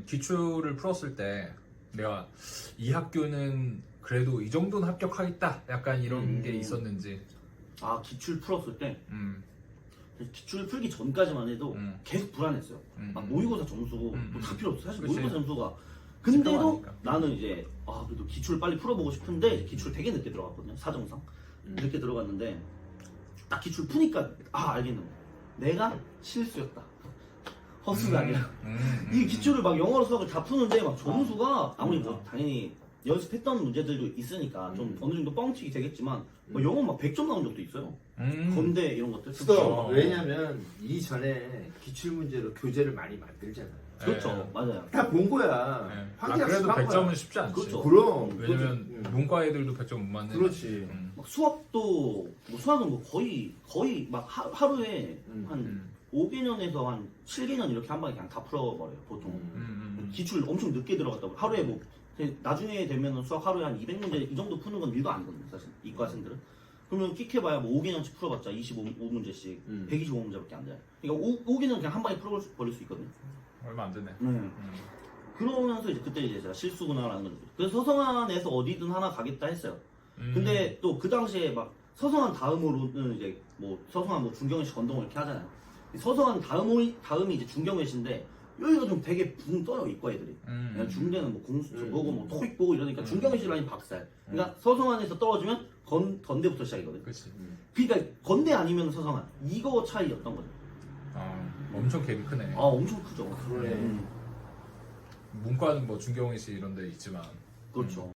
나는 기출을 풀었을 때 내가 이 학교는 그래도 이 정도는 합격하겠다 약간 이런 게 있었는지. 아 기출 풀었을 때 음, 기출 풀기 전까지만 해도 계속 불안했어요. 막 모의고사 점수 뭐 다 필요 없어. 사실 그치. 모의고사 점수가. 근데도 집중하니까. 나는 이제 그래도 기출 빨리 풀어보고 싶은데 이제 기출 되게 늦게 들어갔거든요. 사정상 늦게 들어갔는데 딱 기출 푸니까 알겠는 거야. 내가 실수였다. 허수가 아니라 이 기출을 막 영어로 수학을 다 푸는데 막 점수가 아무리 뭐 당연히 연습했던 문제들도 있으니까 좀 어느 정도 뻥튀기 되겠지만 뭐 영어 막 100점 나온 적도 있어요. 건대 이런 것들. 스톱. 왜냐면 이전에 기출 문제로 교재를 많이 만들잖아요. 그렇죠. 네. 맞아요. 다 본 거야. 네. 확인할 그래도 수 100점은 쉽지 않지. 그렇죠. 그럼. 왜냐면 그거지. 문과 애들도 100점 못 맞는. 그렇지. 막 수학도 뭐 수학은 뭐 거의 막 하루에 한 5개년에서 한 7개년 이렇게 한 방에 그냥 다 풀어버려요 보통. 기출 엄청 늦게 들어갔다고 하루에 뭐 나중에 되면은 수학 하루에 한 200문제 이 정도 푸는 건 일도 아니거든요 사실 이과생들은. 그러면 끽해봐야 뭐 5개년씩 풀어봤자 25문제씩 125문제밖에 안 돼요. 그러니까 5개년 그냥 한 방에 풀어버릴 수 있거든요. 얼마 안 되네. 그러면서 이제 그때 이제 제가 실수구나라는 걸. 그래서 서성안에서 어디든 하나 가겠다 했어요. 근데 또 그 당시에 막 서성한 다음으로는 이제 뭐 서성한 뭐 중경외시 건동을 이렇게 하잖아요. 서성한 다음이 이제 중경외시인데 여기가 좀 되게 붕 떠요 이과 애들이. 그냥 중대는 뭐 공수 보고 뭐 토익 보고 이러니까 중경외시 라인 박살. 그러니까 서성안에서 떨어지면 건대부터 시작이거든. 그렇지. 그러니까 건대 아니면 서성안 이거 차이였던 거죠. 엄청 갭이 크네. 엄청 크죠. 그러네. 문과는 뭐 중경외시 이런 데 있지만. 그렇죠.